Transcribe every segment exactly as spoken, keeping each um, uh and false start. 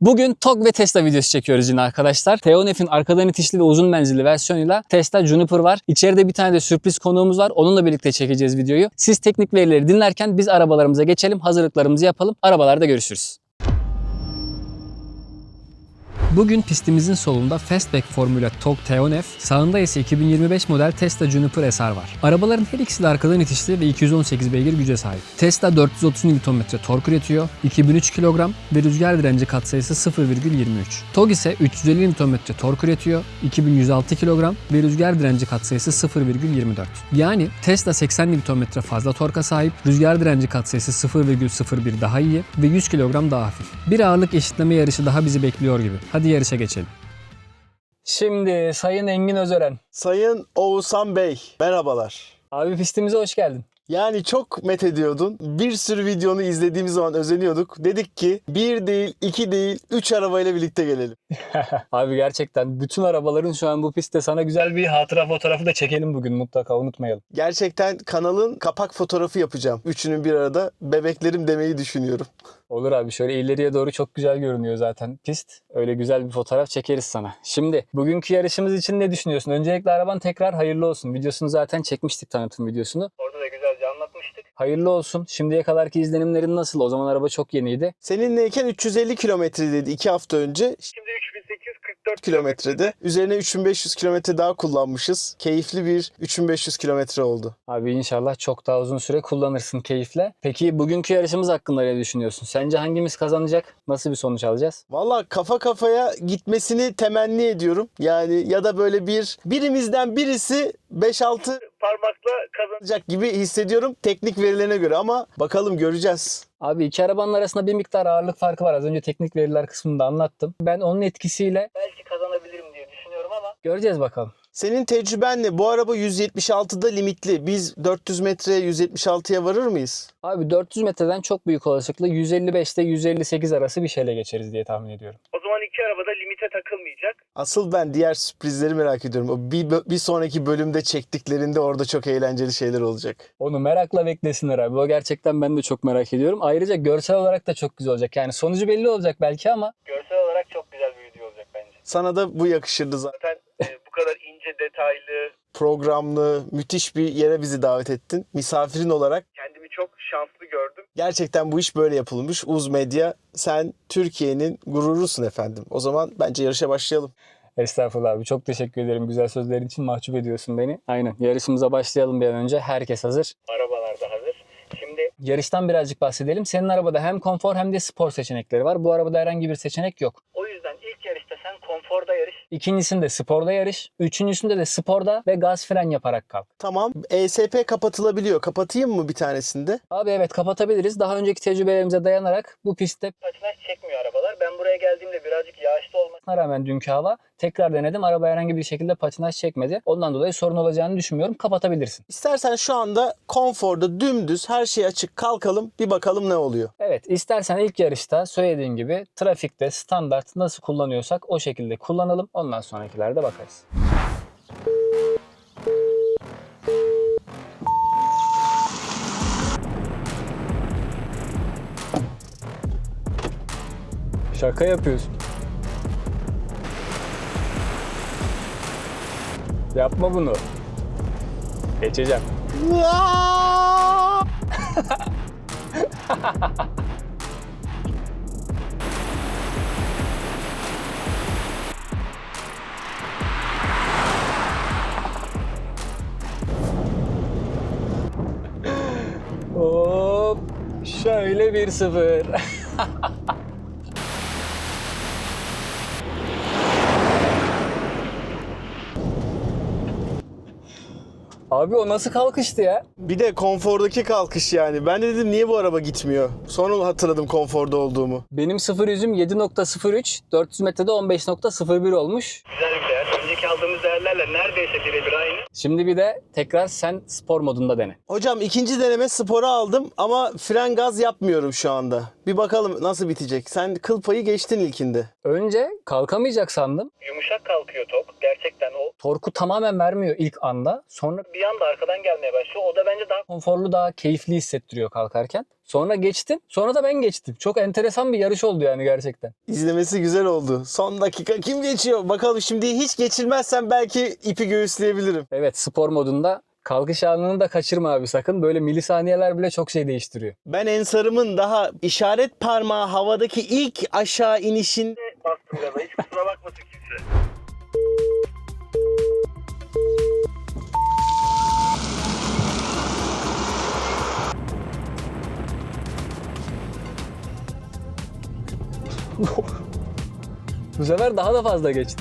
Bugün T O G ve Tesla videosu çekiyoruz yine arkadaşlar. T O N F'in arkadan itişli ve uzun menzilli versiyonuyla Tesla Juniper var. İçeride bir tane de sürpriz konuğumuz var. Onunla birlikte çekeceğiz videoyu. Siz teknik verileri dinlerken biz arabalarımıza geçelim. Hazırlıklarımızı yapalım. Arabalarda görüşürüz. Bugün pistimizin solunda Fastback Formula T O G T O N F, sağında ise iki bin yirmi beş model Tesla Juniper S R var. Arabaların her ikisi de arkadan itişli ve iki yüz on sekiz beygir güce sahip. Tesla dört yüz otuz Newton metre tork üretiyor, iki bin üç kilogram ve rüzgar direnci katsayısı sıfır virgül yirmi üç. T O G ise üç yüz elli Newton metre tork üretiyor, iki bin yüz altı kilogram ve rüzgar direnci katsayısı sıfır virgül yirmi dört. Yani Tesla seksen Newton metre fazla torka sahip, rüzgar direnci katsayısı sıfır virgül sıfır bir daha iyi ve yüz kilogram daha hafif. Bir ağırlık eşitleme yarışı daha bizi bekliyor gibi. Hadi yarışa geçelim. Şimdi Sayın Engin Özören. Sayın Oğuzhan Bey, merhabalar. Abi pistimize hoş geldin. Yani çok methediyordun. Bir sürü videonu izlediğimiz zaman özeniyorduk. Dedik ki bir değil, iki değil, üç arabayla birlikte gelelim. Abi gerçekten bütün arabaların şu an bu pistte, sana güzel bir hatıra fotoğrafı da çekelim bugün, mutlaka unutmayalım. Gerçekten kanalın kapak fotoğrafı yapacağım. Üçünün bir arada bebeklerim demeyi düşünüyorum. Olur abi, şöyle ileriye doğru çok güzel görünüyor zaten pist. Öyle güzel bir fotoğraf çekeriz sana. Şimdi bugünkü yarışımız için ne düşünüyorsun? Öncelikle araban tekrar hayırlı olsun. Videosunu zaten çekmiştik, tanıtım videosunu. Orada da güzelce anlatmıştık. Hayırlı olsun. Şimdiye kadarki izlenimlerin nasıl? O zaman araba çok yeniydi. Seninleyken üç yüz elli kilometredeydi iki hafta önce. Şimdi üç bin sekiz yüz kırk dört kilometrede. Üzerine üç bin beş yüz kilometre daha kullanmışız. Keyifli bir üç bin beş yüz kilometre oldu. Abi inşallah çok daha uzun süre kullanırsın keyifle. Peki bugünkü yarışımız hakkında ne düşünüyorsun? Sence hangimiz kazanacak? Nasıl bir sonuç alacağız? Valla kafa kafaya gitmesini temenni ediyorum. Yani ya da böyle bir birimizden birisi beş altı parmakla kazanacak gibi hissediyorum teknik verilerine göre, ama bakalım, göreceğiz. Abi iki arabanın arasında bir miktar ağırlık farkı var. Az önce teknik veriler kısmında anlattım. Ben onun etkisiyle belki kazanabilirim diye düşünüyorum ama göreceğiz bakalım. Senin tecrübenle bu araba yüz yetmiş altıda limitli. Biz dört yüz metreye yüz yetmiş altıya varır mıyız? Abi dört yüz metreden çok büyük olasılıkla yüz elli beşte yüz elli sekiz arası bir şeyle geçeriz diye tahmin ediyorum. O zaman iki araba da limite takılmayacak. Asıl ben diğer sürprizleri merak ediyorum. O bir, bir sonraki bölümde çektiklerinde orada çok eğlenceli şeyler olacak. Onu merakla beklesinler abi. O gerçekten ben de çok merak ediyorum. Ayrıca görsel olarak da çok güzel olacak. Yani sonucu belli olacak belki ama Görsel olarak çok güzel bir video olacak bence. Sana da bu yakışırdı zaten. Zaten e, bu kadar ince, detaylı, Programlı, müthiş bir yere bizi davet ettin. Misafirin olarak. kendimi çok şanslı gördüm. Gerçekten bu iş böyle yapılmış. Uz Medya, sen Türkiye'nin gururusun efendim. O zaman bence yarışa başlayalım. estağfurullah abi. Çok teşekkür ederim güzel sözlerin için. Mahcup ediyorsun beni. Aynen. Yarışımıza başlayalım bir an önce. Herkes hazır. Arabalar da hazır. Şimdi Yarıştan birazcık bahsedelim. Senin arabada hem konfor hem de spor seçenekleri var. Bu arabada herhangi bir seçenek yok. o yüzden ilk yarışta sen konforda yarış. İkincisinde sporda yarış. Üçüncüsünde de sporda ve gaz fren yaparak kalk. Tamam. E S P kapatılabiliyor. Kapatayım mı bir tanesinde? Abi evet, kapatabiliriz. Daha önceki tecrübelerimize dayanarak bu pistte Patinaj çekmiyor arabalar. Ben buraya geldiğimde birazcık yağışlı olmasına rağmen dünkü hava tekrar denedim. Araba herhangi bir şekilde patinaj çekmedi. Ondan dolayı sorun olacağını düşünmüyorum. Kapatabilirsin. İstersen şu anda konforda dümdüz her şey açık kalkalım. Bir bakalım ne oluyor. Evet, istersen ilk yarışta söylediğim gibi trafikte standart nasıl kullanıyorsak o şekilde kullanalım. Ondan sonrakilerde bakarız. Şaka yapıyorsun. Yapma bunu. Geçeceğim. Hop. Şöyle bir sıfır. Abi o nasıl kalkıştı ya? Bir de konfordaki kalkış yani. Ben de dedim niye bu araba gitmiyor? Sonra hatırladım konforda olduğumu. Benim sıfır yüzüm yedi nokta sıfır üç, dört yüz metrede on beş nokta sıfır bir olmuş. güzel bir değer. Önceki aldığımız değerlerle neredeyse birebir aynı. Şimdi bir de tekrar sen spor modunda dene. Hocam ikinci deneme spora aldım ama fren gaz yapmıyorum şu anda. Bir bakalım nasıl bitecek. Sen kıl payı geçtin ilkinde. Önce kalkamayacak sandım. Yumuşak kalkıyor tok. Gerçekten o Torku tamamen vermiyor ilk anda. Sonra bir anda arkadan gelmeye başlıyor. O da bence daha konforlu, daha keyifli hissettiriyor kalkarken. Sonra geçtim. Sonra da ben geçtim. Çok enteresan bir yarış oldu yani gerçekten. İzlemesi güzel oldu. Son dakika kim geçiyor? Bakalım şimdi hiç geçilmezsem belki ipi göğüsleyebilirim. Evet, spor modunda kalkış anını da kaçırma abi sakın. Böyle milisaniyeler bile çok şey değiştiriyor. Ben Ensar'ımın daha işaret parmağı havadaki ilk aşağı inişin bastım gaza. Hiç kusura bakmasın kimse. Bu sefer daha da fazla geçti.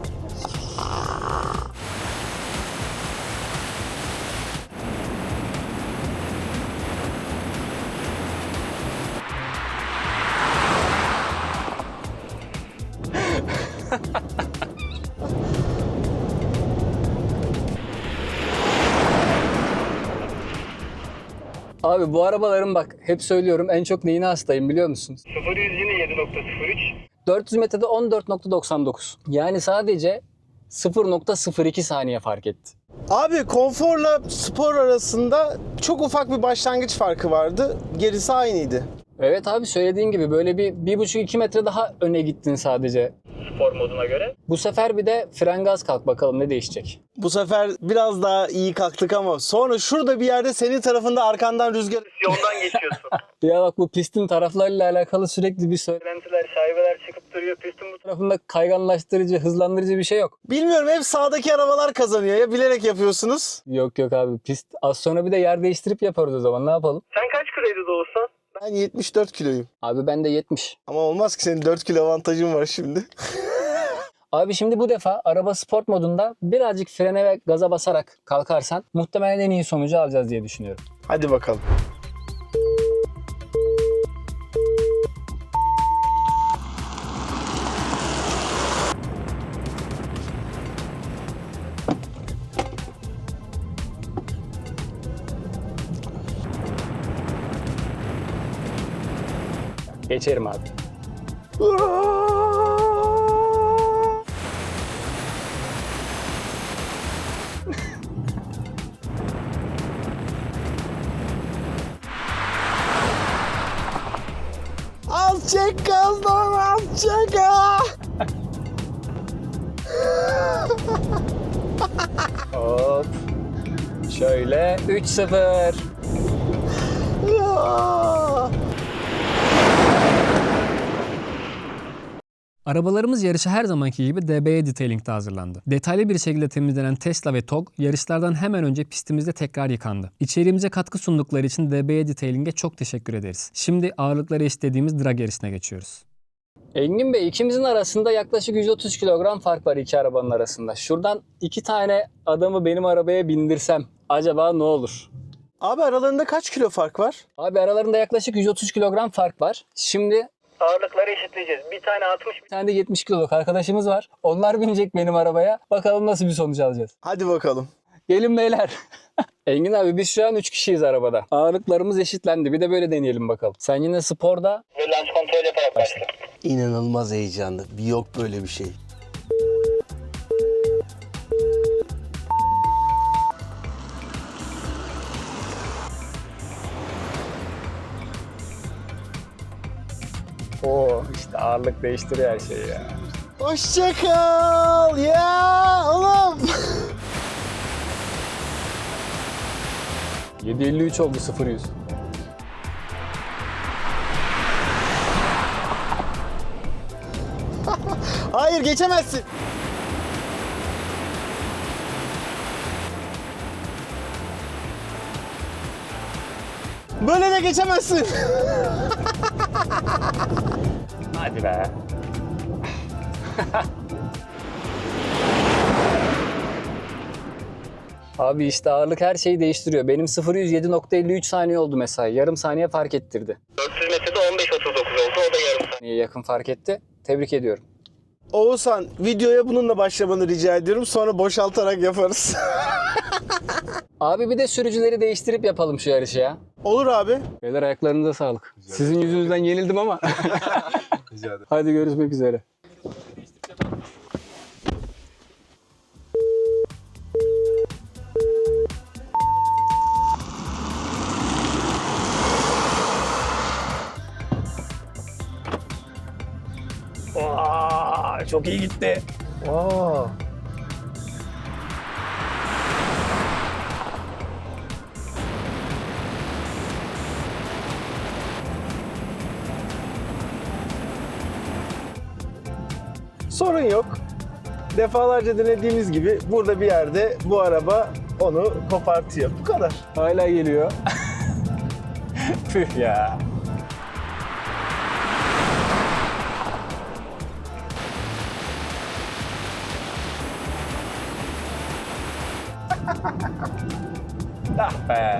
Abi bu arabaların bak hep söylüyorum en çok neyine hastayım biliyor musunuz? sıfır yüz yine yedi nokta sıfır üç. dört yüz metrede on dört nokta doksan dokuz. Yani sadece sıfır nokta sıfır iki saniye fark etti. Abi konforla spor arasında çok ufak bir başlangıç farkı vardı. Gerisi aynıydı. Evet abi söylediğin gibi böyle bir bir buçuk iki metre daha öne gittin sadece. Spor moduna göre. Bu sefer bir de fren gaz kalk bakalım ne değişecek. Bu sefer biraz daha iyi kalktık ama sonra şurada bir yerde senin tarafında arkandan rüzgar... Yoldan geçiyorsun. Ya bak bu pistin taraflarıyla alakalı sürekli bir söyle. Söylentiler, şaibeler çıkıp duruyor. Pistin bu Tarafında kayganlaştırıcı, hızlandırıcı bir şey yok. Bilmiyorum hep sağdaki arabalar kazanıyor ya bilerek yapıyorsunuz. Yok yok abi pist. Az sonra bir de yer değiştirip yaparız o zaman ne yapalım? Sen kaç kiloydu Doğuzhan? Ben yetmiş dört kiloyum. Abi ben de yetmiş. Ama olmaz ki senin dört kilo avantajın var şimdi. Abi şimdi bu defa araba sport modunda birazcık frene ve gaza basarak kalkarsan muhtemelen en iyi sonucu alacağız diye düşünüyorum. Hadi bakalım. Geçerim abi. Al çek gazdan al çek ha. Hop. Şöyle üç sıfır. Arabalarımız yarışa her zamanki gibi D B E Detailing'de hazırlandı. Detaylı bir şekilde temizlenen Tesla ve T O G yarışlardan hemen önce pistimizde tekrar yıkandı. İçeriğimize katkı sundukları için D B E Detailing'e çok teşekkür ederiz. Şimdi ağırlıkları istediğimiz drag yarışına geçiyoruz. Engin Bey ikimizin arasında yaklaşık yüz otuz kilogram fark var iki arabanın arasında. Şuradan iki tane adamı benim arabaya bindirsem acaba ne olur? Abi aralarında kaç kilo fark var? Abi aralarında yaklaşık yüz otuz kilogram fark var. Şimdi ağırlıkları eşitleyeceğiz. Bir tane altmış, bir tane de yetmiş kiloluk arkadaşımız var. Onlar binecek benim arabaya. Bakalım nasıl bir sonuç alacağız. Hadi bakalım. Gelin beyler. Engin abi biz şu an üç kişiyiz arabada. Ağırlıklarımız eşitlendi. Bir de böyle deneyelim bakalım. Sen yine sporda ve launch kontrol yaparak başla. İnanılmaz heyecanlı. Bir yok böyle bir şey. Oo işte ağırlık değiştiriyor her şeyi ya. Hoşça kal ya oğlum. yedi elli üç oldu sıfır yüz. Hayır geçemezsin. Böyle de geçemezsin. Hadi be. Abi işte ağırlık her şeyi değiştiriyor. Benim sıfır yüz yedi nokta elli üç saniye oldu mesela. Yarım saniye fark ettirdi. dört yüz metrede on beş otuz dokuz oldu. O da yarım saat. Niye yakın fark etti? Tebrik ediyorum. Oğuzhan videoya bununla başlamanı rica ediyorum. Sonra boşaltarak yaparız. Abi bir de sürücüleri değiştirip yapalım şu yarışı ya. Olur abi. Beyler ayaklarınıza sağlık. Sizin yüzünüzden yenildim ama. Hadi görüşmek üzere. Aa, çok iyi gitti. Aa. Sorun yok. Defalarca denediğimiz gibi burada bir yerde bu araba onu kopartıyor. Bu kadar. Hala geliyor. Püh ya. Ah be.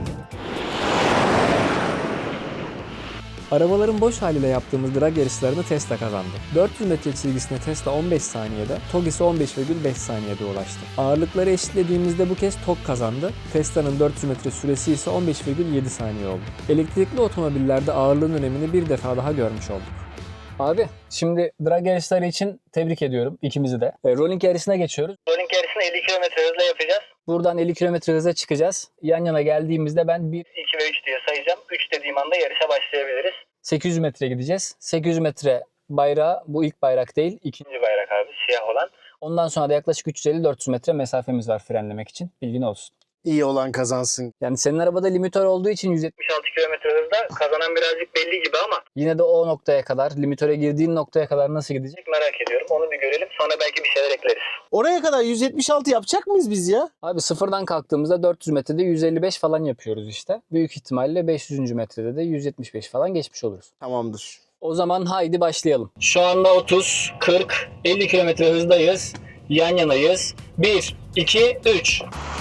Arabaların boş haliyle yaptığımız drag yarışlarını Tesla kazandı. dört yüz metre çizgisine Tesla on beş saniyede, T O G ise on beş virgül beş saniyede ulaştı. Ağırlıkları eşitlediğimizde bu kez T O G kazandı. Tesla'nın dört yüz metre süresi ise on beş virgül yedi saniye oldu. Elektrikli otomobillerde ağırlığın önemini bir defa daha görmüş olduk. Abi şimdi drag yarışları için tebrik ediyorum ikimizi de. E, rolling yarışına geçiyoruz. Rolling yarışını elli kilometre hızla yapacağız. Buradan elli kilometre hıza çıkacağız. Yan yana geldiğimizde ben bir iki ve üç diye sayacağım. üç dediğim anda yarışa başlayabiliriz. sekiz yüz metre gideceğiz. sekiz yüz metre bayrağı, bu ilk bayrak değil, ikinci. İkinci bayrak abi, siyah olan. Ondan sonra da yaklaşık üç yüz elli dört yüz metre mesafemiz var frenlemek için. Bilgin olsun. İyi olan kazansın. Yani senin arabada limitör olduğu için yüz yetmiş, altı kilometre hızda kazanan birazcık belli gibi ama yine de o noktaya kadar, limitöre girdiğin noktaya kadar nasıl gidecek? merak ediyorum. Onu bir görelim. Sonra belki bir şeyler ekleriz. Oraya kadar yüz yetmiş altı yapacak mıyız biz ya? Abi sıfırdan kalktığımızda dört yüz metrede yüz elli beş falan yapıyoruz işte. Büyük ihtimalle beş yüzüncü metrede de yüz yetmiş beş falan geçmiş oluruz. Tamamdır. O zaman haydi başlayalım. Şu anda otuz, kırk, elli kilometre hızdayız. Yan yanayız. bir, iki, üç.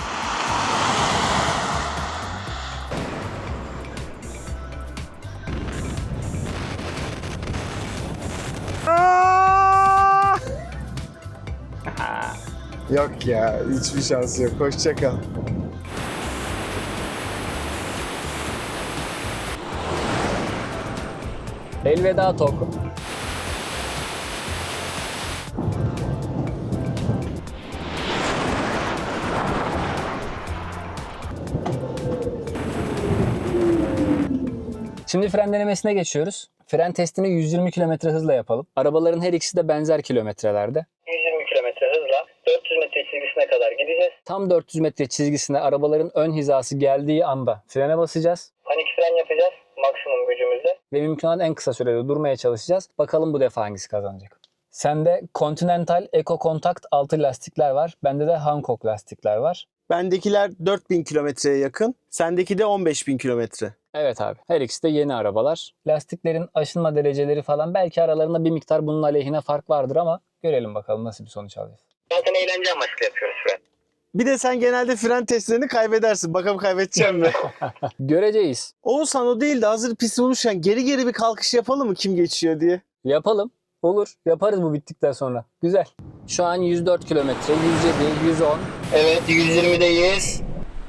Yok ya, hiçbir şansı yok. Hoşça kal. Elveda Tok. Şimdi fren denemesine geçiyoruz. Fren testini yüz yirmi kilometre hızla yapalım. Arabaların her ikisi de benzer kilometrelerde. yüz yirmi kilometre hızla dört yüz metre çizgisine kadar gideceğiz. Tam dört yüz metre çizgisine arabaların ön hizası geldiği anda frene basacağız. Panik fren yapacağız maksimum gücümüzle. Ve mümkün olan en kısa sürede durmaya çalışacağız. Bakalım bu defa hangisi kazanacak. Sende Continental Eco Contact altı lastikler var. Bende de Hankook lastikler var. Bendekiler dört bin kilometreye yakın. Sendeki de on beş bin kilometre. Evet abi. Her ikisi de yeni arabalar. Lastiklerin aşınma dereceleri falan belki aralarında bir miktar bunun aleyhine fark vardır ama görelim bakalım nasıl bir sonuç alacağız. Zaten eğlence amaçlı yapıyoruz fren. Bir de sen genelde fren testlerini kaybedersin. Bakalım kaybedeceğim mi? Göreceğiz. Oğuzhan o değil de hazır pist bulmuşken geri geri bir kalkış yapalım mı kim geçiyor diye. Yapalım. Olur. Yaparız bu bittikten sonra. Güzel. Şu an yüz dört kilometre, yüz yedi, yüz on. Evet, yüz yirmideyiz.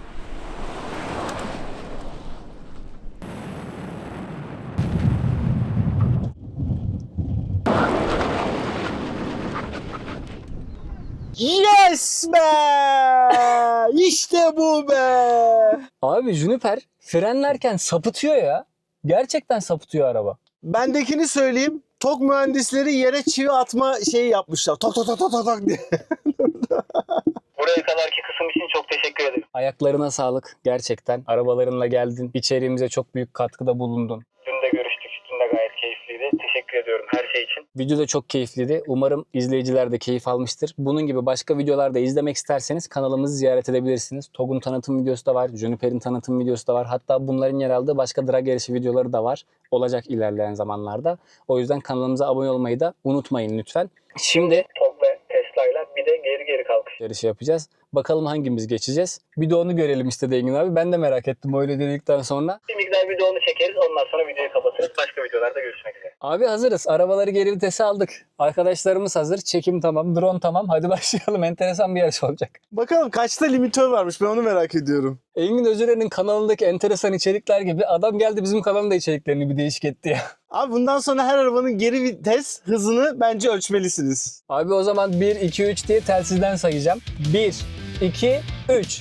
Yes be! İşte bu be! Abi Juniper frenlerken sapıtıyor ya. Gerçekten sapıtıyor araba. Bendekini söyleyeyim. Tok mühendisleri yere çivi atma şeyi yapmışlar. Tok tok tok tok tok tok diye. Buraya kadarki kısım için çok teşekkür ederim. Ayaklarına sağlık gerçekten. Arabalarınla geldin. İçeriğimize çok büyük katkıda bulundun. Dün de görüştük. Dün de gayet keyifliydi. Teşekkür ediyorum her şey için. Video da çok keyifliydi. Umarım izleyiciler de keyif almıştır. Bunun gibi başka videolarda izlemek isterseniz kanalımızı ziyaret edebilirsiniz. T O G'un tanıtım videosu da var. Juniper'in tanıtım videosu da var. Hatta bunların yer aldığı başka drag yarışı videoları da var. Olacak ilerleyen zamanlarda. O yüzden kanalımıza abone olmayı da unutmayın lütfen. Şimdi T O G ve Tesla'yla bir de geri geri kalkış. yarışı yapacağız. Bakalım hangimiz geçeceğiz. Bir de onu görelim istedi Engin abi. Ben de merak ettim öyle dedikten sonra. Bir miktar video onu çekeriz. Ondan sonra videoyu kapatırız. Başka videolarda görüşmek üzere. Abi hazırız. Arabaları geri vitese aldık. Arkadaşlarımız hazır. Çekim tamam. Drone tamam. Hadi başlayalım. Enteresan bir yarış olacak. Bakalım kaçta limitör varmış, ben onu merak ediyorum. Engin Özüren'in kanalındaki enteresan içerikler gibi adam geldi bizim kanalın da içeriklerini bir değişik etti ya. Abi bundan sonra her arabanın geri vites hızını bence ölçmelisiniz. Abi o zaman bir, iki, üç diye telsizden sayacağım. bir, iki, üç.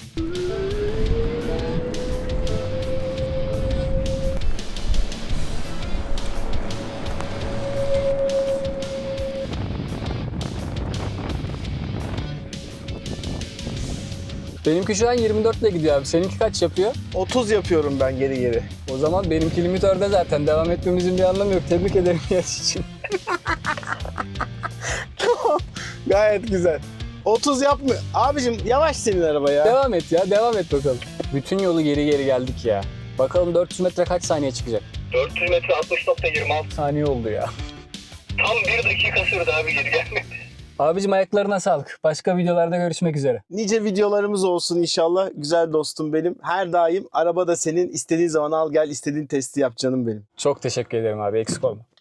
Benimki şu an yirmi dört ile gidiyor abi. Seninki kaç yapıyor? otuz yapıyorum ben geri geri. O zaman benimki limitörde zaten. Devam etmemizin bir anlamı yok. Tebrik ederim yarış için. Gayet güzel. otuz yapma. Abicim yavaş senin araba ya. Devam et ya. Devam et bakalım. Bütün yolu geri geri geldik ya. Bakalım dört yüz metre kaç saniye çıkacak? dört yüz metre altmış nokta yirmi altı. Saniye oldu ya. Tam bir dakika sürdü abi geri gelmek. Abicim ayaklarına sağlık. Başka videolarda görüşmek üzere. Nice videolarımız olsun inşallah. Güzel dostum benim. Her daim araba da senin. İstediğin zaman al gel, istediğin testi yap canım benim. Çok teşekkür ederim abi. Eksik olma.